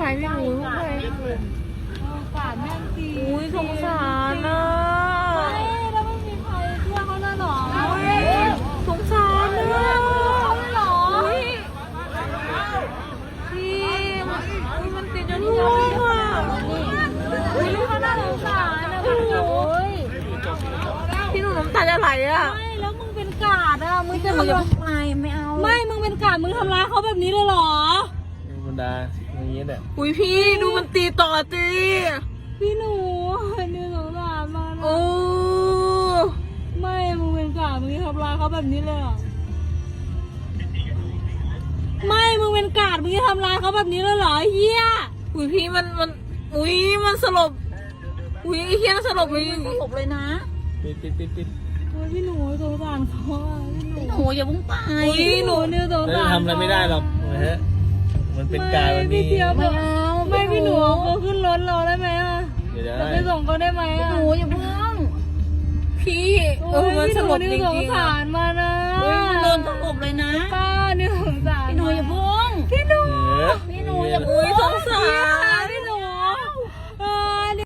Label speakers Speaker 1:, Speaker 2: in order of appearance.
Speaker 1: พี่หนูลูกใคร
Speaker 2: กาดแม่งตี
Speaker 1: อุ้ยสงสารนะ
Speaker 2: แล้วไม่มีใครช่วยเขาเลยหรอ
Speaker 1: สงสารนะ
Speaker 2: เขาเลยหรอ
Speaker 1: พี่มันติดจนหัวอ่ะ
Speaker 2: อุ้ยลูกเขาน่าสงสารนะพี่หนู
Speaker 1: พี่หนูน้ำตาจะไหลอ่ะ
Speaker 2: ไม่แล้วมึงเป็นกาดอ่ะมึงจะ
Speaker 1: หนู
Speaker 2: มา
Speaker 1: อย่าเพิ่งไปไม่เอา
Speaker 2: ไม่มึงเป็นกาดมึงทำร้ายเขาแบบนี้เลยหรอ
Speaker 3: ธรรมดาอย่างนี้แหละ
Speaker 1: อุ้ยพี่ดูมันตีต่อตี
Speaker 2: พี่หนูนี่สงสารมัน
Speaker 1: โอ้
Speaker 2: ไม่มึงเป็นกาดมึงทำร้ายเขาแบบนี้เลยหรอไม่มึงเป็นกาดมึงจะทำร้ายเขาแบบนี้เลยเหรอเฮีย
Speaker 1: อุ้ยพี่มันอุ้ยมันสลบอุ้ยเฮียสลบเลยสลบเลยนะ
Speaker 3: ปิด
Speaker 2: โอ้ยพี่หนูสงสารเขาอ่ะพี่หนู
Speaker 1: หนูอย่าเพิ่งไป
Speaker 2: อุ้ยหนูเนี่ยสง
Speaker 3: แล้ว
Speaker 2: สาร
Speaker 3: ทำอะไรไม่ได้หรอกนะฮะมันเป็นการมันมี
Speaker 2: พี่เทียบไม่เอาไม่พี่หนูเอาเขาขึ้นรถเราได้ไหมอ่ะ
Speaker 3: เดี๋ยว
Speaker 2: เรา
Speaker 3: ได้
Speaker 2: ไปส่งเขาได้ไหมอ่ะ
Speaker 1: หนูอย่าเพิ่งพี่มัน
Speaker 2: พี่
Speaker 1: ส
Speaker 2: หนู
Speaker 1: ลบ
Speaker 2: นี่
Speaker 1: จริง
Speaker 2: สง
Speaker 1: ๆ
Speaker 2: สา
Speaker 1: อ่ะ
Speaker 2: รมานะ
Speaker 1: มันโดนสลบเลยนะ
Speaker 2: ป้านี่สงสาร
Speaker 1: พี่หนูอย่าเพิ่ง
Speaker 2: พี่หนู
Speaker 3: เออ
Speaker 1: พี่หนูอย่าอุ้ยสงสาร